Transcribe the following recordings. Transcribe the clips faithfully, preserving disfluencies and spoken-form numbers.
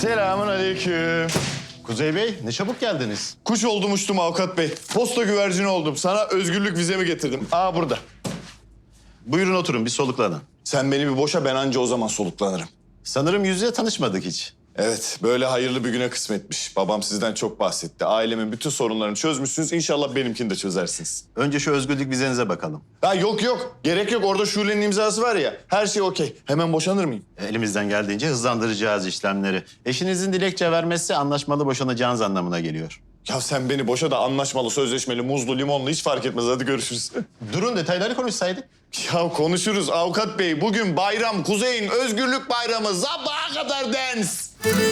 Selamun aleyküm. Kuzey Bey, ne çabuk geldiniz. Kuş oldum uçtum avukat bey. Posta güvercini oldum. Sana özgürlük vizemi getirdim. Aa burada. Buyurun oturun, bir soluklanın. Sen beni bir boşa, ben anca o zaman soluklanırım. Sanırım yüz yüze tanışmadık hiç. Evet, böyle hayırlı bir güne kısmetmiş. Babam sizden çok bahsetti. Ailemin bütün sorunlarını çözmüşsünüz. İnşallah benimkini de çözersiniz. Önce şu özgürlük vizenize bakalım. Ha yok yok, gerek yok. Orada Şule'nin imzası var ya. Her şey okey. Hemen boşanır mıyım? Elimizden geldiğince hızlandıracağız işlemleri. Eşinizin dilekçe vermesi anlaşmalı boşanacağınız anlamına geliyor. Ya sen beni boşa da anlaşmalı, sözleşmeli, muzlu, limonlu hiç fark etmez. Hadi görüşürüz. Durun, detayları konuşsaydık. Ya konuşuruz avukat bey. Bugün bayram, Kuzey'in özgürlük bayramı. Sabaha kadar dans.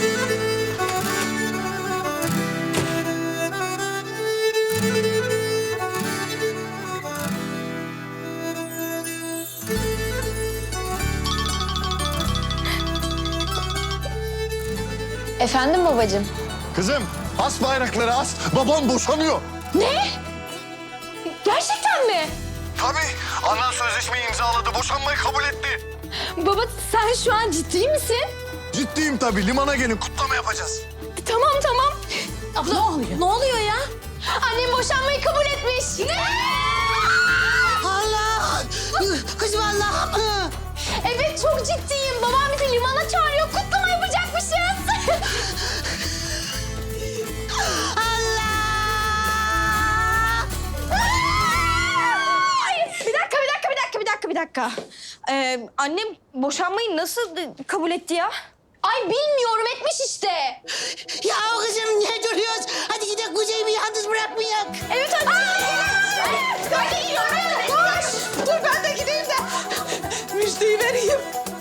Efendim babacığım? Kızım, as bayrakları as. Babam boşanıyor. Ne? Gerçekten mi? Tabii. Anan sözleşmeyi imzaladı. Boşanmayı kabul etti. Baba sen şu an ciddi misin? Ciddiyim tabii. Limana gelin. Kutlama yapacağız. Tamam tamam. Abla ne oluyor? Ne oluyor ya? Annem boşanmayı kabul etmiş. Ne? Allah! Kızım Allah'ım! Evet çok ciddiyim. Babam bizi limana çağırıyor. Kutlama yapacakmışız. Allah! Bir dakika bir dakika bir dakika bir dakika bir dakika. Ee, annem boşanmayı nasıl kabul etti ya? Ay bilmiyorum etmiş işte. Ya kızım ne duruyoruz? Hadi gidelim Kuzey'i bir yalnız bırakmayak. Evet hadi. Ben de gidiyorum. Koş. Dur ben de gideyim de müjdeyi vereyim.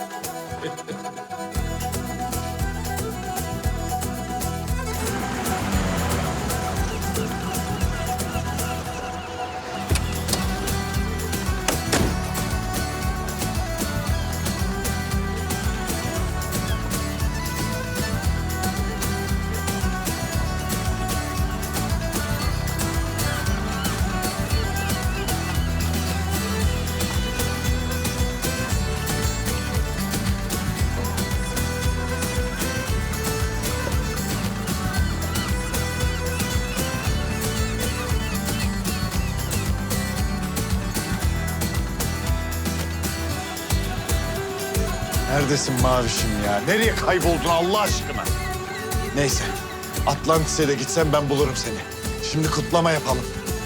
Neredesin Mavişim ya? Nereye kayboldun Allah aşkına? Neyse. Atlantis'e de gitsem ben bulurum seni. Şimdi kutlama yapalım.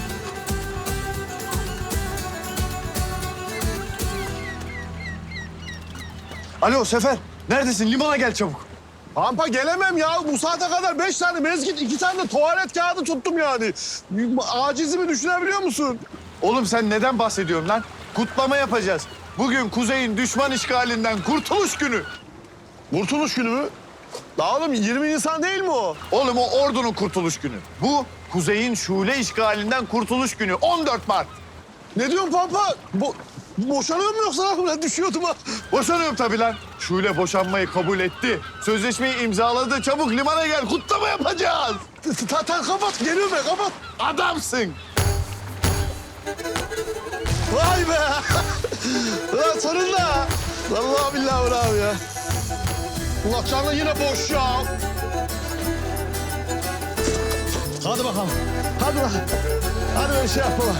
Alo Sefer. Neredesin? Limana gel çabuk. Pampa gelemem ya. Bu saate kadar beş tane mezgit, iki tane de tuvalet kağıdı tuttum yani. Acizimi düşünebiliyor musun? Oğlum sen neden bahsediyorsun lan? Kutlama yapacağız. Bugün Kuzey'in düşman işgalinden kurtuluş günü. Kurtuluş günü mü? La oğlum yirmi Nisan değil mi o? Oğlum o ordunun kurtuluş günü. Bu Kuzey'in Şule işgalinden kurtuluş günü. on dört Mart. Ne diyorsun Pampa? Bo boşanıyor mu yoksa? Ben düşüyordum ha. Boşanıyorum tabii lan. Şule boşanmayı kabul etti. Sözleşmeyi imzaladı. Çabuk limana gel. Kutlama yapacağız. Ta ta kapat. Geliyorum ben kapat. Adamsın. Vay be. Ulan sonunda. Vallahi billahi bravo ya. Allah canlı yine boş ya. Hadi bakalım. Hadi bakalım. Hadi böyle şey yapalım.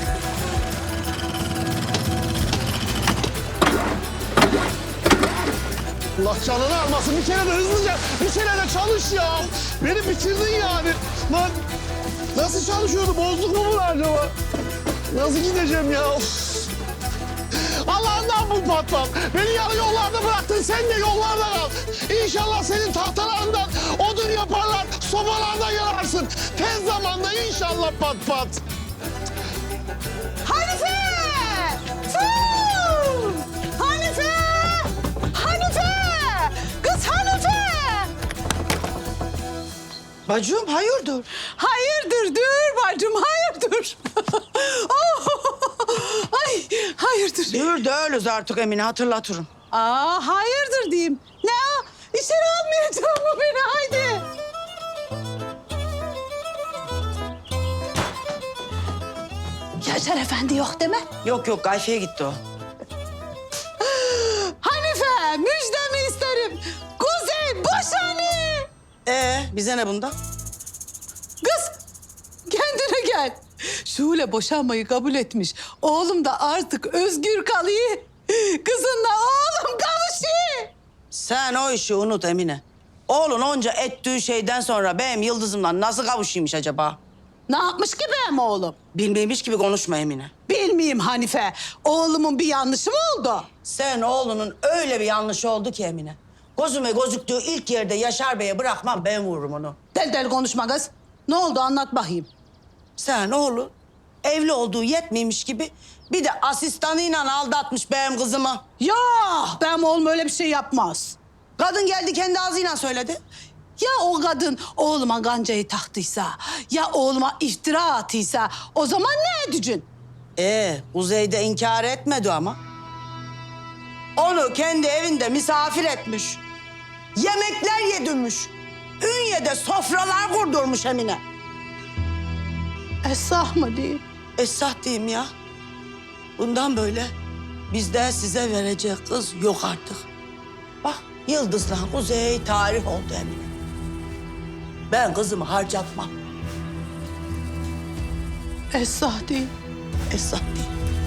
Allah canını almasın. Bir kere de hızlıca, bir kere de çalış ya. Beni bitirdin yani. Lan nasıl çalışıyordu? Bozduk mu bunu acaba? Nasıl gideceğim ya? Of. Allah'ından bu patron. Beni yarı yollarda bıraktın. Sen de yollarda kal. İnşallah senin tahtalarından odun yaparlar. Sobalarda yanarsın. Tez zamanda inşallah pat pat. Hanife! Tüh! Hanife! Hanife! Kız Hanife! Bacım hayırdır? Hayırdır dur bacım hayırdır. Oh! Ay hayırdır. Dur da öylüz artık Emine hatırlatırım. Aa hayırdır diyeyim. Ne o? İçeri almayacak mı beni haydi. Yaşar Efendi yok deme. Yok yok Gayfe'ye gitti o. Hanife müjdemi isterim. Kuzey boşanıyor. bize ne bunda? Kız kendine gel. Şule boşanmayı kabul etmiş. Oğlum da artık özgür kalıyor. Kızınla oğlum kavuşuyor. Sen o işi unut Emine. Oğlun onca ettiği şeyden sonra benim Yıldız'ımla nasıl kavuşuymuş acaba? Ne yapmış ki benim oğlum? Bilmeymiş gibi konuşma Emine. Bilmeyeyim Hanife. Oğlumun bir yanlışı mı oldu? Sen oğlunun öyle bir yanlışı oldu ki Emine. Gözüme gözüktüğü ilk yerde Yaşar Bey'e bırakmam, ben vururum onu. Del del konuşma kız. Ne oldu anlat bakayım. Sen oğlun evli olduğu yetmeymiş gibi bir de asistanıyla aldatmış benim kızımı. Ya benim oğlum öyle bir şey yapmaz. Kadın geldi kendi ağzıyla söyledi. Ya o kadın oğluma gancayı taktıysa, ya oğluma iftira attıysa o zaman ne edeceksin? Ee, Kuzey'de inkar etmedi ama. Onu kendi evinde misafir etmiş. Yemekler yedirmiş. Ünye'de sofralar kurdurmuş Emine. Esah mı değil? Esah diyeyim ya. Bundan böyle bizde size verecek kız yok artık. Bak Yıldız'la Kuzey tarih oldu Emine. Ben kızımı harcatmam. Esah değil. Esah değil.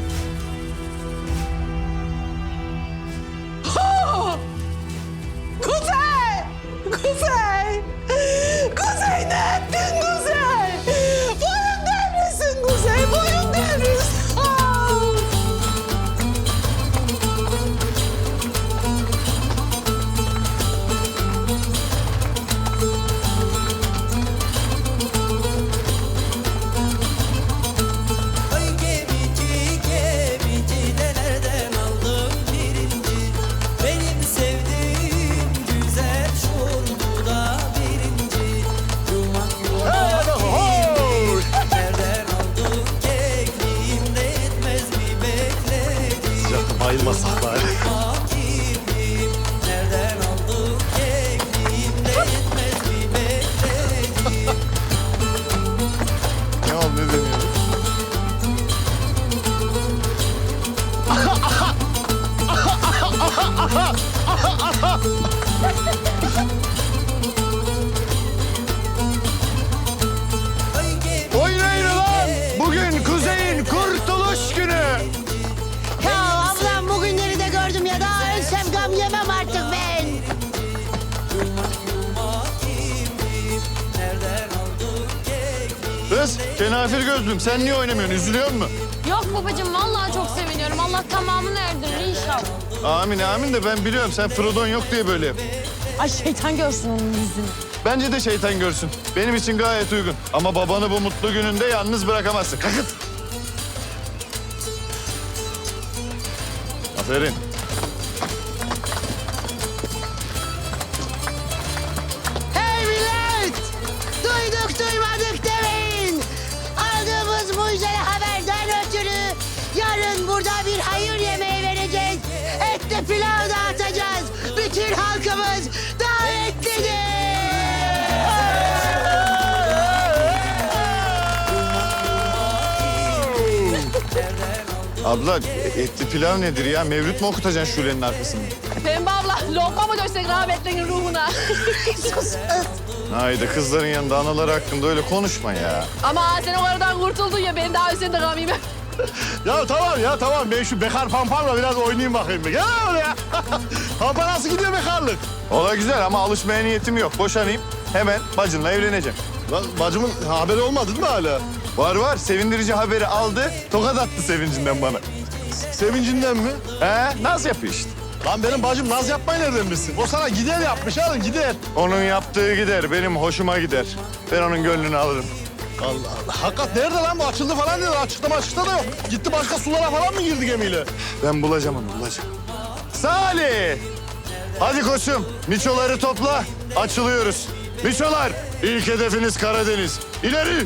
Kuzey! Kuzey! Kuzey ne ettin Kuzey? Boyun devrilsin Kuzey, boyun devrilsin. Ah! Ay gemici gemici de nereden aldın birinci? Benim sevdiğim güzel şurbu da birinci. Yumak yumak iyiyim. Nereden aldın kekliğim de yetmez mi bekledim? Sıcakta bayılmasak bari. Yumak iyiyim. Nereden aldın kekliğim de yetmez mi bekledim? Ne oldu ne deniyor? Ay gemici Oynayın lan! Bugün Kuzey'in kurtuluş günü. Ya ablam bugünleri de gördüm ya daha ölsem gam yemem artık ben. Kız, kenafir gözlüm. Sen niye oynamıyorsun? Üzülüyor musun? Yok babacığım vallahi çok seviniyorum. Allah tamamını erdirir inşallah. Amin amin de ben biliyorum. Sen Frodon yok diye böyle yap. Ay şeytan görsün onun yüzünü. Bence de şeytan görsün. Benim için gayet uygun. Ama babanı bu mutlu gününde yalnız bırakamazsın. Kalkın. Aferin. Hey millet! Duyduk duymadık demeyin. Aldığımız mucizevi haberden ötürü yarın burada bir hayır yemeği vereceğiz. Etli pilav dağıtacağız. Bütün halkımız davetlidir. Abla etli pilav nedir ya? Mevlüt mü okutacaksın Şule'nin arkasında? Pembe abla lokma mı döşsek rahmetlerin ruhuna? Haydi kızların yanında anaları hakkında öyle konuşma ya. Ama sen o aradan kurtuldun ya ben daha üstünde kalmayayım. Ya tamam ya tamam. Ben şu bekar pamparla biraz oynayayım bakayım. Gel oraya. Pampa nasıl gidiyor bekarlık? Ola güzel ama alışmaya niyetim yok. Boşanayım. Hemen bacınla evleneceğim. Lan bacımın haberi olmadı değil mi hala? Var var. Sevindirici haberi aldı. Tokat attı sevincinden bana. Sevincinden mi? He, naz yapıyor işte. Lan benim bacım naz yapmayı nereden bilsin? O sana gider yapmış oğlum gider. Onun yaptığı gider. Benim hoşuma gider. Ben onun gönlünü alırım. Allah Allah. Hakikat nerede lan bu? Açıldı falan dedi. Açıklama açıkta da yok. Gitti başka sulara falan mı girdi gemiyle? Ben bulacağım onu, bulacağım. Salih! Hadi koçum, miçoları topla. Açılıyoruz. Miçolar, ilk hedefiniz Karadeniz. İleri!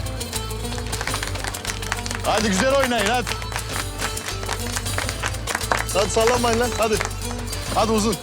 Hadi güzel oynayın, hadi. Hadi sallanmayın lan, hadi. Hadi uzun.